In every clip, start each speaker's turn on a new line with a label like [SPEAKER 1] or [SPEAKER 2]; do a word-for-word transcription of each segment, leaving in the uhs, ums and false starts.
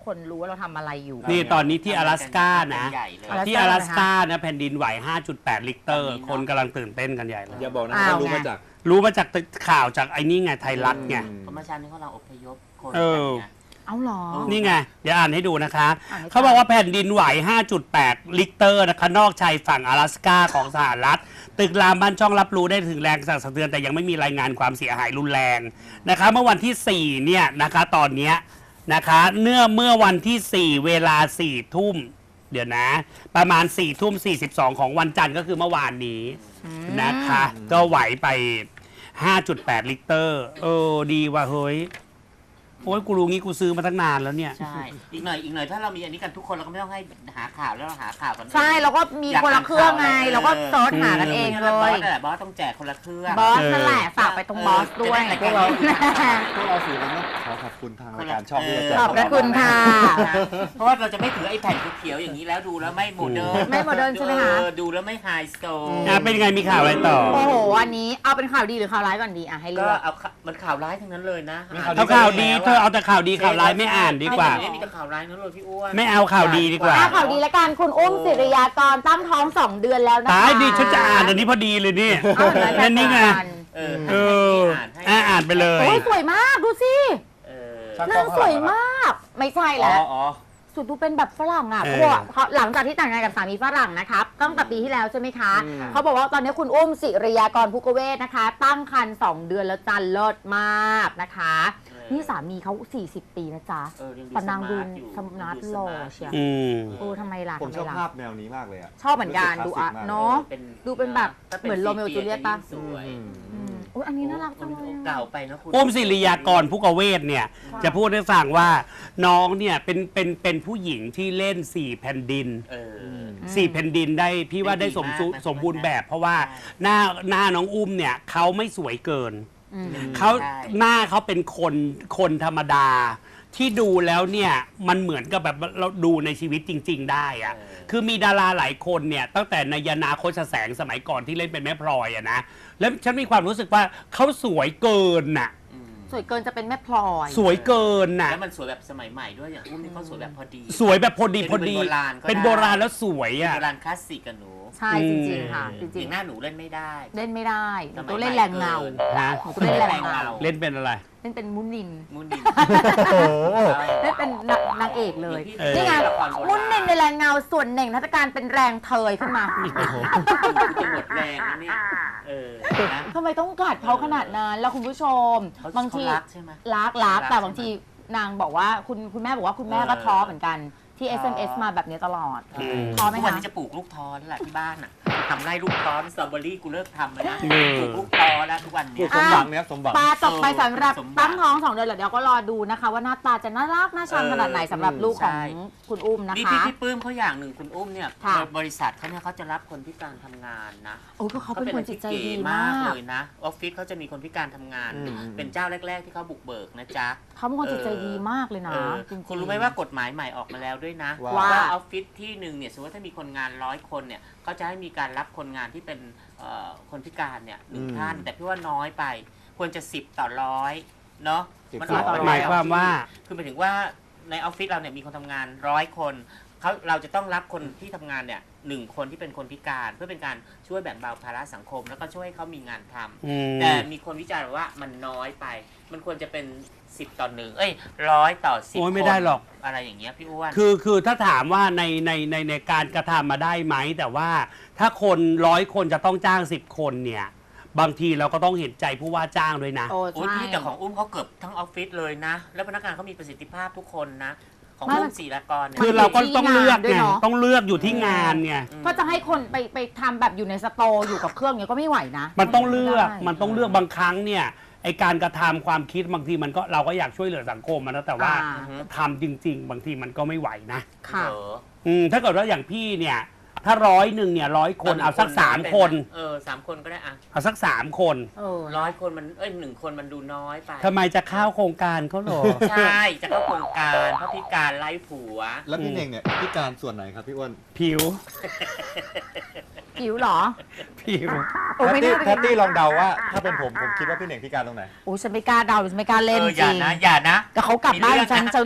[SPEAKER 1] คนรู้ว่าเราทำอะไรอยู่
[SPEAKER 2] นี่ตอนนี้ที่阿拉斯กานะที่阿拉斯กานะแผ่นดินไหว ห้าจุดแปด ลิกเตอร์คนกำลังตื่นเต้นกันใหญ่เลย
[SPEAKER 3] อย่าบอกนะว่ารู้มาจาก
[SPEAKER 2] รู้มาจากข่าวจากไอ้นี่ไงไทยรัฐไง
[SPEAKER 4] เพราะเมื่อเช้านี้เขาเราอพยพคน
[SPEAKER 1] เอาหรอ
[SPEAKER 2] นี่ไงเดี๋ยวอ่านให้ดูนะคะเขาบอกว่าแผ่นดินไหว ห้าจุดแปด ลิกเตอร์นะคะนอกชายฝั่ง阿拉斯กาของสหรัฐตึกรามบ้านช่องรับรู้ได้ถึงแรงสั่นสะเทือนแต่ยังไม่มีรายงานความเสียหายรุนแรงนะคะเมื่อวันที่สี่เนี่ยนะคะตอนเนี้ยนะคะเนื่อเมื่อวันที่สี่เวลาสี่ทุ่มเดี๋ยวนะประมาณสี่ทุ่มสี่สิบสองของวันจันทร์ก็คือเมื่อวานนี้นะคะก็ไหวไป ห้าจุดแปด ลิกเตอร์เออดีว่ะเฮ้ยโอ้ยกูรู้งี้กูซื้อมาตั้งนานแล้วเนี่ย
[SPEAKER 4] ใช่อีกหน่อยอีกหน่อยถ้าเรามีอันนี้กันทุกคนเราก็ไม่ต้องให้หาข่าวแล้วเราหาข่าวกัน
[SPEAKER 1] ใช่เราก็มีคนละเครื่องไงเราก็เซิร์ชหากันเองเลย
[SPEAKER 4] บอสนั่นแหละบอสต้องแจกคนละเครื่อง
[SPEAKER 1] บอสนั่นแหละฝากไปตรงบอสด้วย
[SPEAKER 3] พวกเราพวกเราสื่อเราขอขอบคุณทางรายการช่องที่จะแจก
[SPEAKER 1] ขอบพระคุณค่ะ
[SPEAKER 4] เพราะว่าเราจะไม่ถือไอ้แผ่นเขียวอย่างนี้แล้วดูแล้วไม่โมเดิร์น
[SPEAKER 1] ไม่โมเดิร์นใช่ไหมคะ
[SPEAKER 4] ดูแล้วไม่ไฮสโตร์
[SPEAKER 2] เป็นไงมีข่าวอะไรต่อ
[SPEAKER 1] โอ้โหวันนี้เอาเป็นข่าวดีหรือข่าวร้ายก่อนดีอ่ะให้เลือก
[SPEAKER 4] ก็เอามันข่าวร้ายทั้งนั้นเลยนะ
[SPEAKER 2] เอาข่าวดีเธอเอาแต่ข่าวดีข่าวร้ายไม่อ่านดีกว่า
[SPEAKER 4] ไม่มีแต่ข่าวร้ายนั่นเลยพี่อ้วน
[SPEAKER 2] ไม่เอาข่าวดีดีกว่า
[SPEAKER 1] ข่าวดีละกันคุณอุ้มศิริยากรตั้งท้องสองเดือนแล้วนะคะ
[SPEAKER 2] ตายดีฉันจะอ่านอันนี้พอดีเลยนี่นั่นนี่ไง
[SPEAKER 4] เออ
[SPEAKER 2] เอออ่านไปเลย
[SPEAKER 1] โอ้ยสวยมากดูสินางสวยมากไม่ใช่แล้วสุดดูเป็นแบบฝรั่งอ่ะเพราะว่าหลังจากที่แต่งงานกับสามีฝรั่งนะครับตั้งแต่ปีที่แล้วใช่ไหมคะเขาบอกว่าตอนนี้คุณอุ้มศิริยากรภูกเวศนะคะตั้งครรภ์สองเดือนแล้วจันเลิศมากนะคะนี่สามีเขาสี่สิบปีนะจ๊ะปนางดูสมาร์ทหล่อเชียวโอ้ทำไมล่ะ
[SPEAKER 3] ผมชอบภาพแนวนี้มากเลยอ่ะ
[SPEAKER 1] ชอบเหมือนกันดูอ่ะเนาะดูเป็นแบบเหมือนโรเมโอจูเลียตป่ะอุ้ยอันนี้น่ารักจังเลย
[SPEAKER 4] เก่าไปนะคุณ
[SPEAKER 2] อุ้มศิริยากรภูกเวศเนี่ยจะพูดให้ฟังว่าน้องเนี่ยเป็นเป็นเป็นผู้หญิงที่เล่นสี่แผ่นดินสี่แผ่นดินได้พี่ว่าได้สมสมบูรณ์แบบเพราะว่าหน้าหน้าน้องอุ้มเนี่ยเขาไม่สวยเกินเขาหน้าเขาเป็นคนคนธรรมดาที่ดูแล้วเนี่ยมันเหมือนกับแบบเราดูในชีวิตจริงๆได้อะคือมีดาราหลายคนเนี่ยตั้งแต่นายนาโคชแสงสมัยก่อนที่เล่นเป็นแม่พลอยอะนะแล้วฉันมีความรู้สึกว่าเขาสวยเกินน่ะ
[SPEAKER 1] สวยเกินจะเป็นแม่พลอย
[SPEAKER 2] สวยเกินน่ะ
[SPEAKER 4] แล้วมันสวยแบบสมัยใหม่ด้วยอย่างอุ้มนี่เขาสวยแบบพอดี
[SPEAKER 2] สวยแบบพอดีพอดีเป็นโบราณแล้วสวยอ่ะ
[SPEAKER 4] โบราณคลาสสิกกับหนู
[SPEAKER 1] ใช่จริงๆค่ะจริง
[SPEAKER 4] ๆหน้าหนูเล่นไม่ได้
[SPEAKER 1] เล่นไม่ได้ตัวเล่นแรงเงาตัวเล่นแรงเงา
[SPEAKER 2] เล่นเป็นอะไร
[SPEAKER 1] เล่นเป็นมุนิน
[SPEAKER 4] มุนิน
[SPEAKER 1] เล่นเป็นนางเอกเลยนี่ไงมุนินในแรงเงาส่วนหนึ่งทัศการเป็นแรงเทยขึ้นมา
[SPEAKER 4] หมดแรงนี่
[SPEAKER 1] ทำไมต้องกัดเขาขนาดนั้นแล้วคุณผู้ชมบางทีรักรักแต่บางทีนางบอกว่าคุณคุณแม่บอกว่าคุณแม่ก็ท้อเหมือนกันที่ เอส เอ็ม เอส มาแบบนี้ตลอดท้อไหมคะ
[SPEAKER 4] วันนี้จะปลูกลูกท้อแล้วแหละที่บ้านอ่ะทำไร่ลูกท้อสตรอเบอรี่กูเลิกทำแล้วนะปลูกลูกท้อแล้วทุกวันนี้
[SPEAKER 3] สมหวังเนี่ยสมหวัง
[SPEAKER 1] ปลาจบไปสำหรับตั้งท้องสองเดือนเดี๋ยวก็รอดูนะคะว่าหน้าตาจะน่ารักน่าชังขนาดไหนสำหรับลูกของคุณอุ้มนะคะ
[SPEAKER 4] นี่พี่ปื้มเขาอย่างหนึ่งคุณอุ้มเนี่ยบริษัทเขาเนี่ยเขาจะรับคนพิการทำงานนะ
[SPEAKER 1] โอ้ก็เขาเป็นคนจิตใจดีมาก
[SPEAKER 4] เลยนะออฟฟิศเขาจะมีคนพิการทำงานเป็นเจ้าแรกๆที่เขาบุกเบิกนะจ๊ะ
[SPEAKER 1] เขาเป็นคนจิตใจดีมากเลยนะ
[SPEAKER 4] คุณรู้ไหมว่ากฎหมายใหม่ออกมาแล้วด้วยนะว่าออฟฟิศที่หนึ่งเนี่ยสมมติว่าถ้ามีคนงานร้อยคนเนี่ยเขาจะให้มีการรับคนงานที่เป็นคนพิการเนี่ยหนึ่งท่านแต่พี่ว่าน้อยไปควรจะสิบต่อร้อยเนาะ
[SPEAKER 2] มันหมายความว่า
[SPEAKER 4] คือหมายถึงว่าในออฟฟิศเราเนี่ยมีคนทำงานร้อยคนเขาเราจะต้องรับคนที่ทำงานเนี่ยหนึ่งคนที่เป็นคนพิการเพื่อเป็นการช่วยแบ่งเบาภาระสังคมแล้วก็ช่วยให้เขามีงานทำแต่มีคนวิจารณ์ว่ามันน้อยไปมันควรจะเป็นสิบต่อหนึ่งเอ้ยร้อยต่อสิบคน
[SPEAKER 2] ไม่ได้หรอก
[SPEAKER 4] อะไรอย่างเงี้ยพี่อ้วน
[SPEAKER 2] คือคือถ้าถามว่าในในในในการกระทำมาได้ไหมแต่ว่าถ้าคนร้อยคนจะต้องจ้างสิบคนเนี่ยบางทีเราก็ต้องเห็นใจผู้ว่าจ้างด้วยนะ
[SPEAKER 4] โอ้ยพี่แต่ของอุ้มเขาเกือบทั้งออฟฟิศเลยนะแล้วพนักงานเขามีประสิทธิภาพทุกคนนะของอุ้มศิริยากร
[SPEAKER 2] คือเราก็ต้องเลือกไงต้องเลือกอยู่ที่งานไง
[SPEAKER 1] เพราะจะให้คนไปไปทำแบบอยู่ในสโตร์อยู่กับเครื่องเนี้ยก็ไม่ไหวนะ
[SPEAKER 2] มันต้องเลือกมันต้องเลือกบางครั้งเนี่ยไอการกระทำความคิดบางทีมันก็เราก็อยากช่วยเหลือสังคมนะแต่ว่าทำจริงๆบางทีมันก็ไม่ไหวนะ
[SPEAKER 1] ค่ะ
[SPEAKER 2] อืมถ้าเกิดว่าอย่างพี่เนี่ยถ้าร้อยหนึ่งเนี่ยร้อยคนเอาสักสามคน
[SPEAKER 4] เออสามคนก็ได้อะ
[SPEAKER 2] เอาสักสามคน
[SPEAKER 4] เออร้อยคนมันเอ้ยหนึ่งคนมันดูน้อยไป
[SPEAKER 2] ทำไมจะเข้าโครงการเขาหรอ
[SPEAKER 4] ใช่จะเข้าโครงการเพราะพิการไร้ผัว
[SPEAKER 3] แล้วพี่เน่งเนี่ยพิการส่วนไหนครับพี่อ้วน
[SPEAKER 2] ผิว
[SPEAKER 1] ผิวหรอ
[SPEAKER 2] ผิว
[SPEAKER 3] แพตตี้ลองเดาว่าถ้าเป็นผมผมคิดว่าพี่เน่งพิการตรงไหน
[SPEAKER 1] โอ้ฉันไม่กล้าเดาฉันไม่กล้าเล่นจริง
[SPEAKER 4] อย่านะอย่านะ
[SPEAKER 1] แต่เขากลับบ้านฉันจะ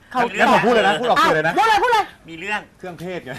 [SPEAKER 1] เขา
[SPEAKER 3] แล้วผมพูดเลยนะพูดออกสื่อเลยนะ
[SPEAKER 1] พูดเลยพูดเลย
[SPEAKER 4] มีเรื่อง
[SPEAKER 3] เครื่องเทศไง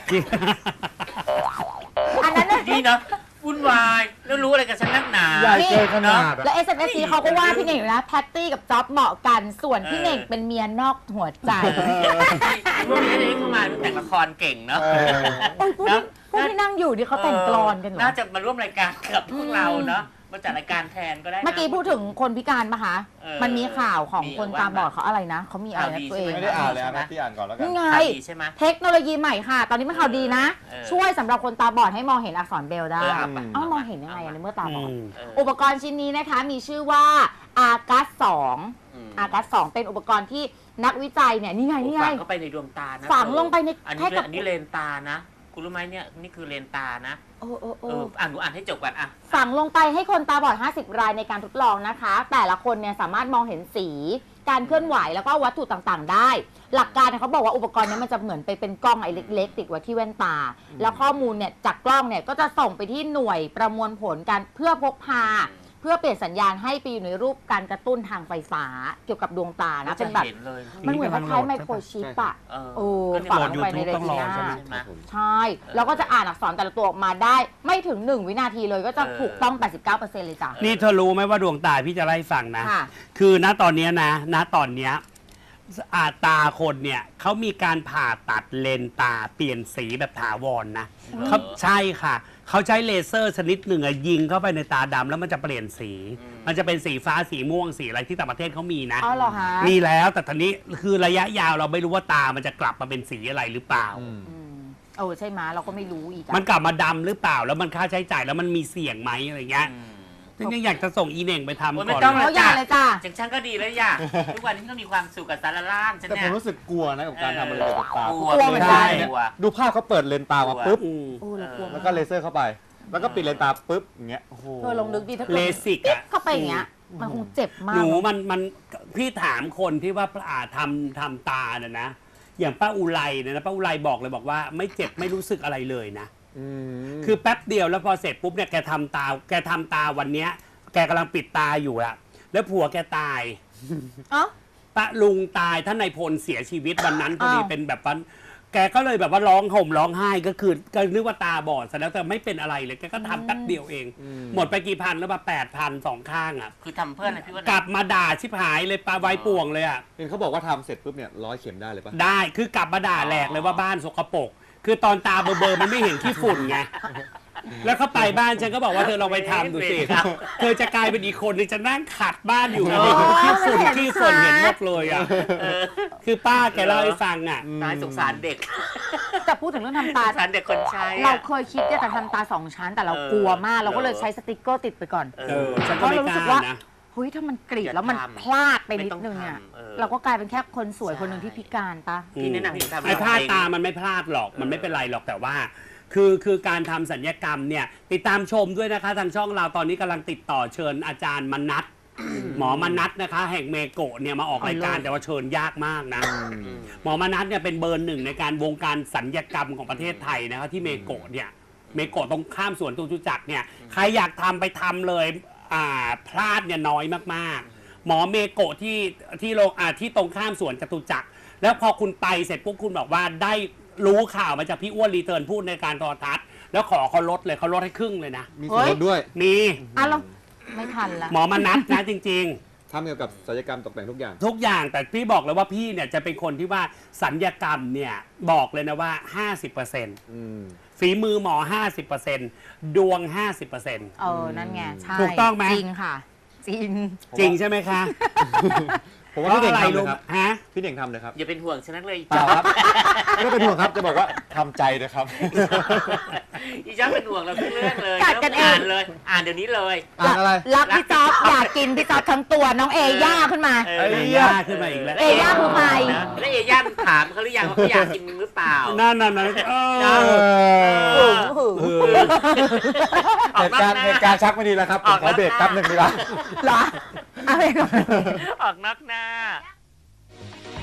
[SPEAKER 1] อันนั้นน่ะ
[SPEAKER 4] นี่เนาะวุ่นวายแล้วรู้อะไรกับฉันนักหนา
[SPEAKER 3] ใหญ่เกินขนาดอะ
[SPEAKER 1] แล้ว เอส เอ็ม เอส ซี เขาก็ว่าพี่เน่งอยู่นะแพตตี้กับจ๊อบเหมาะกันส่วนพี่เน่งเป็นเมียนอกหัวใจ
[SPEAKER 4] พวกนี้นี่เข้ามาแต่งละครเก่งเนาะ
[SPEAKER 3] เออ
[SPEAKER 1] โอ้ยพวกที่พวกที่นั่งอยู่ที่เขาแต่งกลอนกันเหรอ
[SPEAKER 4] น่าจะมาร่วมรายการกับพวกเราเนาะมาจัดรายการแทนก็ได้นะ
[SPEAKER 1] เมื่อกี้พูดถึงคนพิการปะคะ
[SPEAKER 4] เออ
[SPEAKER 1] มันมีข่าวของ
[SPEAKER 4] มี
[SPEAKER 1] คน
[SPEAKER 4] ว่า
[SPEAKER 1] ตาบอดเขาอะไรนะเขามีอะไรนะ
[SPEAKER 4] ข่าวดี
[SPEAKER 1] ตัวเอง
[SPEAKER 4] ใช่
[SPEAKER 3] ไม่ได้อ่านเลยนะที่อ่านก่อนแล้วกัน
[SPEAKER 1] นี่ไง
[SPEAKER 4] ข่าวดีใช่ไหม
[SPEAKER 1] เทคโนโลยีใหม่ค่ะ ตอนนี้มันข่าวดีนะ
[SPEAKER 4] เออ
[SPEAKER 1] ช่วยสำหรับคนตาบอดให้มองเห็นอักษรเบรลได้
[SPEAKER 4] เออเอาไป
[SPEAKER 1] เอ้ามองเห็นยังไงอะในเมื่อตาบอด
[SPEAKER 2] อืม
[SPEAKER 4] เออ
[SPEAKER 1] อุปกรณ์ชิ้นนี้นะคะมีชื่อว่าอากัสสอง
[SPEAKER 4] อืม
[SPEAKER 1] อากัสสองเป็นอุปกรณ์ที่นักวิจัยเนี่ยนี่ไงนี่ไง
[SPEAKER 4] ฝังเข้าไปในดวงตานะ
[SPEAKER 1] ฝังลงไปใน
[SPEAKER 4] อันนี้
[SPEAKER 1] ให้กับ
[SPEAKER 4] อันนี้เลนตานะคุณรู้ไหมเนี่ยนี่คือเลนตานะ
[SPEAKER 1] โอ้โอ้
[SPEAKER 4] เอ
[SPEAKER 1] โอ้
[SPEAKER 4] ออ่านดูอ่านให้จบก่อนอ่ะ
[SPEAKER 1] ฝังลงไปให้คนตาบอดห้าสิบรายในการทดลองนะคะ แต่ละคนเนี่ยสามารถมองเห็นสี การเคลื่อนไหวแล้วก็วัตถุต่างๆ ได้ หลักการเนี่ยเขาบอกว่าอุปกรณ์เนี้มันจะเหมือนไปเป็นกล้องไอ้เล็กๆ ติดไว้ที่แว่นตา แล้วข้อมูลเนี่ยจากกล้องเนี่ยก็จะส่งไปที่หน่วยประมวลผลการเพื่อพกพา เพื่อเปลี่ยนสัญญาณให้ไปอยู่ในรูปการกระตุ้นทางไฟฟ้าเกี่ยวกับดวงตานะ
[SPEAKER 4] จะ
[SPEAKER 1] เป็นแบบ
[SPEAKER 4] เห็นเลย
[SPEAKER 1] มันเหมือนคล้ายๆไมโครชิปอะ
[SPEAKER 4] เออ
[SPEAKER 1] โอ้
[SPEAKER 4] ก็เนี่ย
[SPEAKER 1] ฝัง
[SPEAKER 2] โหล
[SPEAKER 1] ล
[SPEAKER 2] ด
[SPEAKER 1] งไปใน
[SPEAKER 2] YouTube
[SPEAKER 1] เร
[SPEAKER 2] ต้องร
[SPEAKER 1] ติ
[SPEAKER 2] อ
[SPEAKER 1] นา
[SPEAKER 2] ใช่ไหม
[SPEAKER 4] ใช่ไหม
[SPEAKER 1] ใช่ แล้วก็จะอ่านอักษรแต่ละตัวออกมาได้ ไม่ถึงหนึ่งวินาทีเลยก็จะ
[SPEAKER 4] เออ
[SPEAKER 1] ถูกต้อง แปดสิบเก้าเปอร์เซ็นต์ เลยจ้ะ
[SPEAKER 2] นี่เธอรู้ไหมว่าดวงตาพี่จะไล่าให้ฟังนะ
[SPEAKER 1] ค่ะ
[SPEAKER 2] คือณตอนเนี้ยนะ ณตอนเนี้ยอาตาคนเนี่ยเขามีการผ่าตัดเลนส์ตาเปลี่ยนสีแบบถาวรนะเขาใช่ค่ะ เขาใช้เลเซอร์ชนิดหนึ่งอะยิงเข้าไปในตาดำแล้วมันจะเปลี่ยนสี มันจะเป็นสีฟ้าสีม่วงสีอะไรที่ต่างประเทศเขามีนะ
[SPEAKER 1] อ๋อเหรอฮะ
[SPEAKER 2] มีแล้วแต่ทีนี้คือระยะยาวเราไม่รู้ว่าตามันจะกลับมาเป็นสีอะไรหรือเปล่า
[SPEAKER 3] อืม
[SPEAKER 1] อืมเออใช่ไหมเราก็ไม่รู้อีกอะ
[SPEAKER 2] มันกลับมาดำหรือเปล่า แล้วมันค่าใช้จ่ายแล้วมันมีเสี่ยงไหมอะไรเงี้ย
[SPEAKER 4] อืม
[SPEAKER 2] ฉันยังอยากจะส่งอีเหน่งไปทำ
[SPEAKER 4] โอ้ย
[SPEAKER 2] ก่
[SPEAKER 4] ไม่
[SPEAKER 2] อน
[SPEAKER 4] ต้อง
[SPEAKER 2] เลย
[SPEAKER 1] เขาอย่างเลยจ้ะ
[SPEAKER 4] จังฉันก็ดีแล้วย่าทุกวันนี้ก็มีความสุขกับสารล่างฉัน
[SPEAKER 3] แต่ผ
[SPEAKER 4] เนี่ย
[SPEAKER 3] มรู้สึกกลัวนะกับการทำอะไรเกี่ยวกับตาก
[SPEAKER 4] ลัว
[SPEAKER 1] กลัวเหมือนกัน
[SPEAKER 4] กลัว
[SPEAKER 3] ดูภาพเขาเปิดเลนส์ตามาปุ๊บ
[SPEAKER 2] อืม
[SPEAKER 1] โอ้เรากลัว
[SPEAKER 3] แล้วก็เลเซอร์เข้าไป แล้วก็ปิดเลนส์ตาปุ๊บอย่างเงี้ยโอ้โห
[SPEAKER 1] เธอลองนึกดิถ้าเกิด
[SPEAKER 2] เลสิก
[SPEAKER 1] ปิ๊บ
[SPEAKER 2] อะ
[SPEAKER 1] เข้าไปอย่างเงี้ย มันคงเจ็บมาก
[SPEAKER 2] หนู
[SPEAKER 1] เนอะ
[SPEAKER 2] มันมันพี่ถามคนที่ว่าอ่าทำทำตาเนี่ยนะ อย่างป้าอุไรเนี่ยนะป้าอุไรบอกเลยบอกว่าไม่เจ็บไม่รู้สึกอะไรเลยนะ
[SPEAKER 3] อืม
[SPEAKER 2] คือแป๊บเดียวแล้วพอเสร็จปุ๊บเนี่ยแกทำตาแกทำตาวันเนี้ย แกกำลังปิดตาอยู่อะแล้วผัวแกตาย
[SPEAKER 1] เอ้า
[SPEAKER 2] ป้าลุงตายท่านนายพลเสียชีวิตวันนั้นพอดี
[SPEAKER 1] อ้าว
[SPEAKER 2] เป็นแบบวันแกก็เลยแบบว่าร้องห่มร้องไห้ก็คือก็นึกว่าตาบอดซะแล้วแต่ไม่เป็นอะไรเลยแกก็ทำแป๊บเดียวเอง หมดไปกี่พันแล้วมาแปดพันสองข้างอ่ะ
[SPEAKER 4] คือทำเพื่อนอะไรพี่ว่าก
[SPEAKER 2] ลับมาด่าชิบหายเลยปลาไว้ป่วงเลยอ่ะ
[SPEAKER 3] เห็นเขาบอกว่าทำเสร็จปุ๊บเนี่ยร้อยเข็มได้เลยปะ
[SPEAKER 2] ได้คือกลับมาด่าแหลกเลยว่าบ้านสกปรกคือตอนตาเบลอๆมันไม่เห็นขี้ฝุ่นไงแล้วเขาไปบ้านฉันก็บอกว่าเธอลองไปทำดูสิเธอจะกลายเป็นอีกคนนึงจะนั่งขัดบ้านอยู่ไงขี้ฝุ่นขี้ฝุ่นเห็นหมดเลยอ่ะคือป้าแกเล่าให้ฟังอ่ะ
[SPEAKER 4] ตายสงสารเด็ก
[SPEAKER 1] แต่พูดถึงเรื่องทำตา
[SPEAKER 4] สงสารเด็กคนใช้อะ
[SPEAKER 1] เราเคยคิดจะทำตาสองชั้นแต่เรา
[SPEAKER 4] เออ
[SPEAKER 1] กลัวมาก เราก็เลย
[SPEAKER 4] เออ
[SPEAKER 1] ใช้สติกเกอร์ติดไปก่อน
[SPEAKER 2] เออฉันก็ไม่
[SPEAKER 1] เพราะเรารู้
[SPEAKER 2] ก
[SPEAKER 1] สึก
[SPEAKER 2] ล้า
[SPEAKER 1] ว่า
[SPEAKER 2] นะ
[SPEAKER 1] เฮ้ยถ้ามันกรีด
[SPEAKER 4] อย่า
[SPEAKER 1] แล้วมัน
[SPEAKER 4] ทำ
[SPEAKER 1] พลาดไปนิด
[SPEAKER 4] ไม่ต้อง
[SPEAKER 1] นึงเนี่ย
[SPEAKER 4] ทำเออ
[SPEAKER 1] เราก็กลายเป็นแค่คนสวยคนหนึ่งที่พิการปะ
[SPEAKER 4] พี่แนะนำให้ทำ
[SPEAKER 2] ไอ้พลาดตามันไม่พลาดหรอกมันไม่เป็นไรหรอกแต่ว่า คือคือการทำสัญญกรรมเนี่ยติดตามชมด้วยนะคะทางช่องเราตอนนี้กำลังติดต่อเชิญอาจารย์มนัทหมอมนัทนะคะ แห่งเมโกะเนี่ยมาออกรายการแต่ว่าเชิญยากมากนะ หมอมนัทเนี่ยเป็นเบอร์หนึ่งในการวงการสัญญกรรมของประเทศไทยนะคะที่เมโกะเนี่ยเมโกะตรงข้ามสวนจตุจักรเนี่ยใครอยากทำไปทำเลยอ่าพลาดเนี่ยน้อยมากๆ หมอเมโกะที่ที่โรงอ่าที่ตรงข้ามสวนจตุจักรแล้วพอคุณไปเสร็จปุ๊บคุณบอกว่าได้รู้ข่าวมาจากพี่อ้วนรีเทิร์นพูดในการโทรทัศน์แล้วขอเขาลดเลยเขาลดให้ครึ่งเลยนะ
[SPEAKER 3] มีส่วนลดด้วย
[SPEAKER 2] มี
[SPEAKER 1] อ่ะเราไม่ทันละ
[SPEAKER 2] หมอมนัทนะจริง
[SPEAKER 3] ทำเกี่ยวกับศัลยกรรมตกแต่งทุกอย่าง
[SPEAKER 2] ๆ ทุกอย่างแต่พี่บอกเลยว่าพี่เนี่ยจะเป็นคนที่ว่าสัญญกรรมเนี่ยบอกเลยนะว่า ห้าสิบเปอร์เซ็นต์
[SPEAKER 3] อืม
[SPEAKER 2] ฝีมือหมอ ห้าสิบเปอร์เซ็นต์ ดวง ห้าสิบเปอร์เซ็นต์
[SPEAKER 1] เออนั่นไงใช่
[SPEAKER 2] ถูกต้องไหม
[SPEAKER 1] จริงค่ะ จริง
[SPEAKER 2] จริงใช่ไหมคะ
[SPEAKER 3] ผมว่าพี่เด่ง
[SPEAKER 2] พระ
[SPEAKER 3] ทำ
[SPEAKER 2] อะไร
[SPEAKER 3] เลย
[SPEAKER 2] รู้
[SPEAKER 3] ครับ
[SPEAKER 2] ฮะ
[SPEAKER 3] พี่เด่งทำเลยครับ
[SPEAKER 4] อย่าเป็นห่วงฉันนักเลย
[SPEAKER 3] เปล่าครับ ไม่ได้เป็นห่วงครับจะบอกว่าทำใจนะครับ
[SPEAKER 4] อีจ้าเป็นห่วงเราทุกเรื่องเลย
[SPEAKER 1] กัดกันเอง
[SPEAKER 4] อ่านเลย อ่านเดี๋ยวนี้เลย
[SPEAKER 3] อ่านอะไร
[SPEAKER 1] รักพี่จ๊อบอยากกินพี่จ๊อบทั้งตัวน้องเอย่าขึ้นมา
[SPEAKER 4] เอ
[SPEAKER 3] ไอ้
[SPEAKER 4] อ
[SPEAKER 2] ย่าขึ้นมาอีกแล้ว
[SPEAKER 1] เอย่าคือใคร
[SPEAKER 4] นะแล้วเอย่าถามเขาหรือยังว่าเขาอยากกินมึงหรือเปล่า
[SPEAKER 2] นั่นนั่นนั่นเอ
[SPEAKER 3] เอ
[SPEAKER 2] อ
[SPEAKER 3] อ
[SPEAKER 1] หึง
[SPEAKER 2] เอ
[SPEAKER 1] หึง
[SPEAKER 2] อ
[SPEAKER 4] ออ
[SPEAKER 3] เห
[SPEAKER 4] ก
[SPEAKER 3] ตุ
[SPEAKER 4] นอก
[SPEAKER 3] การณ์
[SPEAKER 4] หน้า
[SPEAKER 3] เหตุการณ์ชักไม่ดีแล้วครับผมขอเบรกแป๊บหนึ่งดีกว่า
[SPEAKER 1] เหรออะไรก่อน
[SPEAKER 4] ออกนอกหน้า